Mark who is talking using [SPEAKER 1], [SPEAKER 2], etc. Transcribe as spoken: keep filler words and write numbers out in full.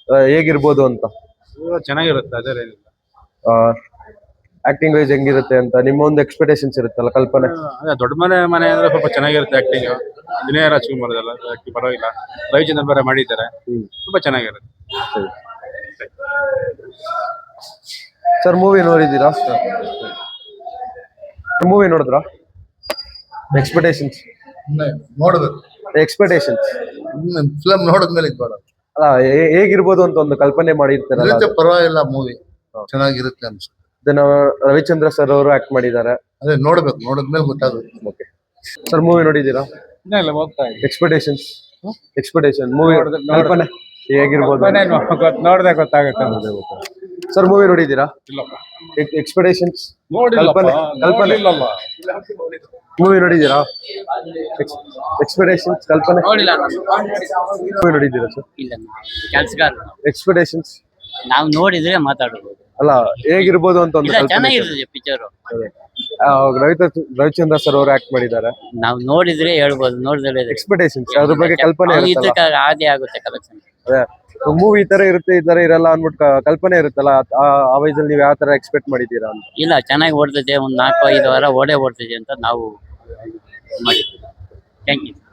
[SPEAKER 1] ಹೇಗಿರ್ಬೋದು ಅಂತ?
[SPEAKER 2] ಚೆನ್ನಾಗಿರುತ್ತೆ, ಅದೇನಿಲ್ಲ.
[SPEAKER 1] Acting wise ಹೆಂಗಿರುತ್ತೆ ಅಂತ ನಿಮ್ಮ ಒಂದು ಎಕ್ಸ್ಪೆಕ್ಟೇಷನ್ಸ್ ಇರುತ್ತಲ್ಲ, ಕಲ್ಪನೆ?
[SPEAKER 2] ಅದೇ ದೊಡ್ಡ ಮನೆ ಮನೆ ಅಂದ್ರೆ ಸ್ವಲ್ಪ ಚೆನ್ನಾಗಿರುತ್ತೆ ಆಕ್ಟಿಂಗ್. ವಿನಯ ರಾಜ್ಕುಮಾರ್ ಅದೆಲ್ಲ ಆಕ್ಟಿಂಗ್ ಪರವಾಗಿಲ್ಲ. ರವಿಚಂದ್ರನ್ ಬೇರೆ ಮಾಡಿದ್ದಾರೆ, ತುಂಬಾ ಚೆನ್ನಾಗಿರುತ್ತೆ.
[SPEAKER 1] ಸರ್ ಮೂವಿ ನೋಡಿದ್ದೀರಾ? ಮೂವಿ ನೋಡಿದ್ರಾ? ಎಕ್ಸ್ಪೆಕ್ಟೇಷನ್ಸ್
[SPEAKER 3] ನೋಡ್ಬೇಕು.
[SPEAKER 1] ಎಕ್ಸ್ಪೆಕ್ಟೇಷನ್ಸ್
[SPEAKER 3] ಫಿಲಂ ನೋಡಿದ್ಮೇಲೆ ಇದು ಮಾಡೋದು.
[SPEAKER 1] ಅಲ್ಲ, ಹೇಗಿರ್ಬೋದು ಅಂತ ಒಂದು ಕಲ್ಪನೆ ಮಾಡಿರ್ತಾರಲ್ಲ.
[SPEAKER 3] ಇರುತ್ತೆ, ಪರವಾಗಿಲ್ಲ, ಮೂವಿ ಚೆನ್ನಾಗಿರುತ್ತೆ ಅನ್ಸುತ್ತೆ.
[SPEAKER 1] ರವಿಚಂದ್ರ ಸರ್ ಅವರು ಆಕ್ಟ್ ಮಾಡಿದ್ದಾರೆ.
[SPEAKER 3] ಅದೇ ನೋಡ್ಬೇಕು, ನೋಡಿದ್ಮೇಲೆ ಗೊತ್ತಾಗುತ್ತೆ.
[SPEAKER 1] ಓಕೆ ಸರ್, ಮೂವಿ ನೋಡಿದ್ದೀರಾ?
[SPEAKER 2] ಇಲ್ಲ, ಹೋಗ್ತಾ ಇದೆ.
[SPEAKER 1] ಎಕ್ಸ್ಪೆಕ್ಟೇಷನ್ಸ್ ಎಕ್ಸ್ಪೆಕ್ಟೇಷನ್ ಮೂವಿ ಕಲ್ಪನೆ ಹೇಗಿರ್ಬೋದು
[SPEAKER 2] ನೋಡ್ದೆ ಗೊತ್ತಾಗುತ್ತೆ.
[SPEAKER 1] ಸರ್ ಮೂವಿ ನೋಡಿದ್ದೀರಾ? ಎಕ್ಸ್ಪೆಕ್ಟೇಷನ್ಸ್ ಕಲ್ಪನೆ ಕಲ್ಪನೆ ಮೂವಿ ನೋಡಿದ್ದೀರಾ? ಎಕ್ಸ್ಪೆಕ್ಟೇಷನ್ಸ್ ಕಲ್ಪನೆ ಮೂವಿ ನೋಡಿದ್ದೀರಾ ಸರ್?
[SPEAKER 4] ಇಲ್ಲ, ಕೆಲಸಗಾರ.
[SPEAKER 1] ಎಕ್ಸ್ಪೆಕ್ಟೇಷನ್ಸ್
[SPEAKER 4] ನಾವು ನೋಡಿದ್ರೆ ಮಾತಾಡಬಹುದು.
[SPEAKER 1] ಅಲ್ಲ, ಹೇಗಿರ್ಬೋದು ಅಂತ ಒಂದು
[SPEAKER 4] ಇಲ್ಲ, ಚೆನ್ನಾಗಿರ್ತದೆ ಪಿಕ್ಚರ್.
[SPEAKER 1] ರವಿ ರವಿಚಂದ್ರ ಸರ್ ಅವರು ಆಕ್ಟ್ ಮಾಡಿದ್ದಾರೆ. ನಾವು
[SPEAKER 4] ನೋಡಿದ್ರೆ ಹೇಳ್ಬೋದು, ನೋಡಿದ್ರೆ
[SPEAKER 1] ಎಕ್ಸ್ಪೆಕ್ಟೇಷನ್ಸ್ ಅದ್ರ ಬಗ್ಗೆ ಕಲ್ಪನೆ ಇರುತ್ತಲ್ಲ.
[SPEAKER 4] ಆದೇ ಆಗುತ್ತೆ ಕಲೆಕ್ಷನ್.
[SPEAKER 1] ಅದೇ ಮೂವಿ ಈ ತರ ಇರುತ್ತೆ, ಈ ತರ ಇರಲ್ಲ ಅನ್ಬಿಟ್ಟು ಕಲ್ಪನೆ ಇರುತ್ತಲ್ಲ, ಆ ವಯಸ್ಸಲ್ಲಿ ನೀವು ಯಾವ ತರ ಎಕ್ಸ್ಪೆಕ್ಟ್ ಮಾಡಿದ್ದೀರಾ ಅಂತ?
[SPEAKER 4] ಇಲ್ಲ, ಚೆನ್ನಾಗಿ ಓಡ್ತದೆ. ಒಂದ್ ನಾಲ್ಕು ಐದು ವಾರ ಓಡೇ ಓಡ್ತದೆ ಅಂತ ನಾವು ಮಾಡಿದ್ವಿ. Thank you.